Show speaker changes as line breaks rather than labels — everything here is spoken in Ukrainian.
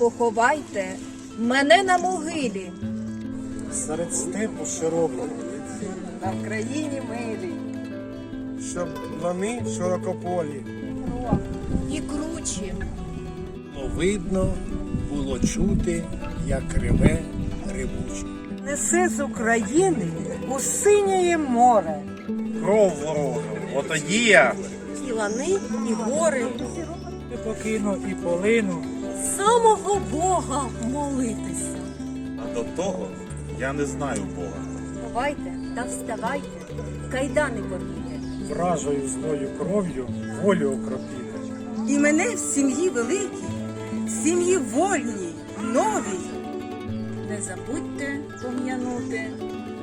поховайте мене на могилі.
Серед степу широкого,
На Вкраїні милій.
щоб лани широкополі.
І кручі.
Було видно, було чути, як реве ревуче.
Несе з України у синє море.
Кров ворога, отоді я
І лани, і гори.
Не покину і полину.
Самого Бога молитися.
А до того я не знаю Бога.
Ховайте та вставайте, кайдани порвіте.
вражою злою кров'ю волю окропіти.
І мене в сім'ї великій, в сім'ї вольній, новій.
Не забудьте пом'янути